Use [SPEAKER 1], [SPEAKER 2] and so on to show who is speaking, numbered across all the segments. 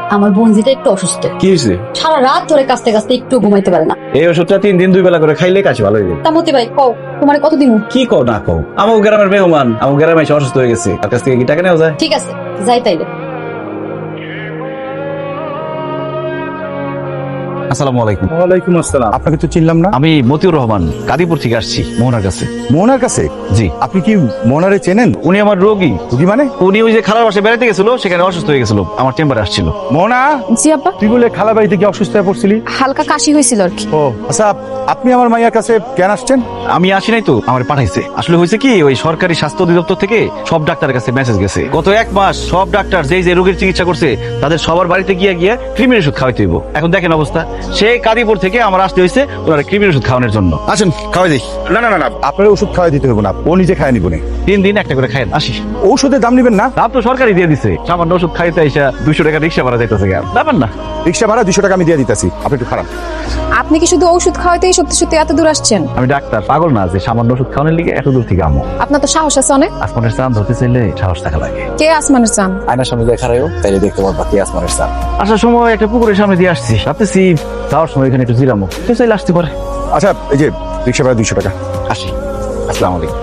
[SPEAKER 1] আমার বোনজিটা একটু অসুস্থ।
[SPEAKER 2] কি হয়েছে?
[SPEAKER 1] সারা রাত ধরে কাঁচতে কাঁচতে একটু ঘুমাইতে পারে না।
[SPEAKER 2] এই ওষুধটা 3 দিন 2 বেলা করে খাইলে কাছে ভালো হয়ে যাবে।
[SPEAKER 1] তা মতি ভাই কও তোমার কত দিন?
[SPEAKER 2] কি কও না কও, আমার গ্রামের মেহমান, আমার গ্রামে এসে অসুস্থ হয়ে গেছে, তার কাছ থেকে কি টাকা নেওয়া যায়?
[SPEAKER 1] ঠিক আছে যাই তাইলে।
[SPEAKER 2] আসসালামু আলাইকুম।
[SPEAKER 3] ওয়ালাইকুম আসসালাম। আপনাকে তো চিনলাম না।
[SPEAKER 2] আমি মতিউর রহমান, কাদিপুর থেকে আসছি মোহনার কাছে।
[SPEAKER 3] মোহনার কাছে?
[SPEAKER 2] জি।
[SPEAKER 3] আপনি কি মোহনারে চেনেন?
[SPEAKER 2] উনি আমার রোগী।
[SPEAKER 3] রোগী মানে?
[SPEAKER 2] উনি ওই যে খালার বাসায় বেড়াতে গেছিল, সেখানে অসুস্থ হয়ে গেছিল, আমার চেম্বারে আসছিল।
[SPEAKER 3] মোহনা,
[SPEAKER 4] জি আব্বা।
[SPEAKER 3] তুই বলে খালা বাড়িতে কি অসুস্থ হয়ে পড়ছিলি?
[SPEAKER 4] হালকা কাশি হয়েছিল আর কি।
[SPEAKER 3] ও আচ্ছা, আপনি আমার মাইয়ার কাছে কেন আসছেন?
[SPEAKER 2] আমি আসি নাই তো, আমার পাঠাইছে। আসলে হয়েছে কি, ওই সরকারি স্বাস্থ্য অধিদপ্তর থেকে সব ডাক্তারের কাছে মেসেজ গেছে, গত 1 মাস সব ডাক্তার যেই যে রোগীর চিকিৎসা করছে তাদের সবার বাড়িতে গিয়ে গিয়ে কৃমির ওষুধ খাওয়াইতে হইব। এখন দেখেন অবস্থা, সেই কাদিপুর থেকে আমার আসতে হয়েছে ওনারা কৃমির ওষুধ খাওয়ানোর জন্য।
[SPEAKER 3] আসেন খাওয়াই দিই। না না না না, আপনার ওষুধ খাওয়াই দিতে হবে না, ও নিজে খায় নিব না।
[SPEAKER 2] 3 দিন একটা করে খায়েন, আসি।
[SPEAKER 3] ঔষধের দাম নেবেন না?
[SPEAKER 2] দাম তো সরকারই দিয়ে দিছে, সামান্য ওষুধ খাইতে আইসা 200 টাকা রিক্সা ভাড়া যাইতেছে, ব্যাপার না।
[SPEAKER 3] রিক্সা ভাড়া 200 টাকা আমি দিয়ে দিতেছি, আপনি একটু খারাপ।
[SPEAKER 4] আপনি কি শুধু ওষুধ খাওয়াতেই সত্যি সত্যি এত দূর আসছেন?
[SPEAKER 2] আমি ডাক্তার, পাগল না যে সামান্য ওষুধ খাওয়ানোর লিগে এত দূর থেকে আমো।
[SPEAKER 4] আপনার তো সাহস আছে অনেক।
[SPEAKER 2] আসমানের চাঁদ ধরতে চাইলে সাহস থাকা লাগে।
[SPEAKER 4] কে আসমানের চান?
[SPEAKER 2] আয়নার সামনে দেখা রাখো, তাইলে দেখতে পারবা কে আসমানের চাঁদ। আসার সময় একটা পুকুরের সামনে দিয়ে আসছি, ভাবতেছি যাওয়ার সময় এখানে একটু জিরামো, কেউ চাইলে আসতে পারে।
[SPEAKER 3] আচ্ছা, এই যে রিক্সা ভাড়া 200 টাকা।
[SPEAKER 2] আসি। আসসালামু আলাইকুম।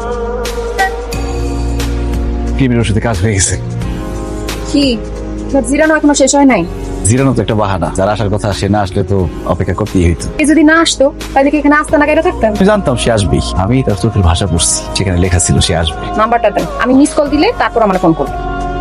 [SPEAKER 2] কৃমির ওষুধে কাজ হয়ে গেছে।
[SPEAKER 4] কি জিরানো এখনো শেষ হয় নাই?
[SPEAKER 2] জিরানো তো একটা বাহানা, যারা আসার কথা সে না আসলে তো অপেক্ষা করতেই হইতো।
[SPEAKER 4] এই যদি না আসতো তাহলে কি এখানে আসতে না কেটে থাকতাম?
[SPEAKER 2] আমি জানতাম সে আসবেই, আমি তার চোখের ভাষা পড়ছি, সেখানে লেখা ছিল সে আসবে।
[SPEAKER 4] নাম্বারটা দেন, আমি মিস কল দিলে তারপর আমার ফোন করবেন।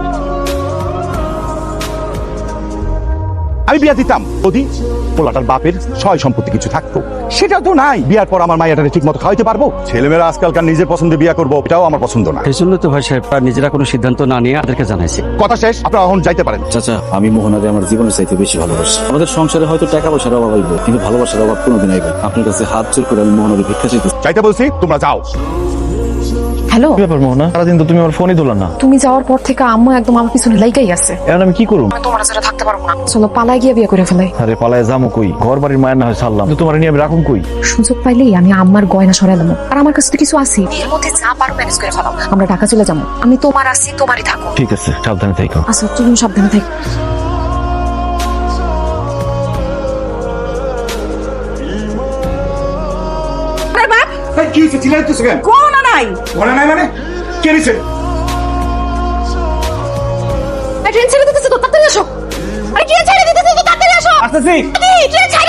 [SPEAKER 3] আমি বিয়া দিতাম যদি পোলাটার বাপের সয় সম্পত্তি কিছু থাকতো, সেটা তো নাই। বিয়ার পর আমার মাইয়াটারে ঠিক মতো খাওয়াইতে পারবো? ছেলেমেয়েরা আজকালকার নিজের পছন্দে বিয়া করবো, এটাও আমার পছন্দ না।
[SPEAKER 5] এই জন্য তো ভাই সাহেব নিজেরা কোনো সিদ্ধান্ত না নিয়ে আমাদেরকে জানাইছে।
[SPEAKER 3] কথা শেষ, আপনারা এখন যাইতে পারেন।
[SPEAKER 6] চাচা, আমি মোহনাকে আমার জীবনের চাইতে বেশি ভালোবাসি। আমাদের সংসারে হয়তো টাকা পয়সার অভাব হইব, কিন্তু ভালোবাসার অভাব কোনোদিন আইবে না। আপনার কাছে হাত জোর করে আমি মোহনাকে ভিক্ষা চাইতেছি।
[SPEAKER 3] যাইতে বলছি, তোমরা যাও।
[SPEAKER 4] হ্যালো,
[SPEAKER 2] ব্যাপার মোহনা, সারাদিন তো তুমি আমার ফোনই তোলা না।
[SPEAKER 4] তুমি যাওয়ার পর থেকে আম্মু একদম আমার পিছনে লাইগাই আছে।
[SPEAKER 2] এখন আমি কি করব?
[SPEAKER 4] আমি তোমার ছাড়া থাকতে পারবো না, চলো পালাই গিয়ে বিয়ে করে ফেলাই।
[SPEAKER 2] আরে পালায় যাবো কই, ঘর বাড়ির মায়ের না হয় ছাড়লাম, কিন্তু তোমার নিয়ে আমি রাখুন কই?
[SPEAKER 4] সুযোগ পাইলেই আমি আম্মার গয়না সরাইলাম, আর আমার কাছে তো কিছু আছে, এর মধ্যে যা পারো ম্যানেজ করে ফেলাও। আমরা ঢাকা চলে যাবো, আমি তোমার আছি, তোমারই থাকো।
[SPEAKER 2] ঠিক আছে, সাবধানে থেকো।
[SPEAKER 4] আচ্ছা তুমি সাবধানে থাকো।
[SPEAKER 3] কি হয়েছে, চিল্লাইতেছো কেন?
[SPEAKER 4] কোন নাই
[SPEAKER 3] মনে নাই মানে? কে নিছে?
[SPEAKER 4] ট্রেন ছেড়ে দিতেছে তো, তাড়াতাড়ি আসো। আরে কি ছেড়ে দিতেছে তো, তাড়াতাড়ি আসো।
[SPEAKER 3] আসতেছি।
[SPEAKER 4] ট্রেন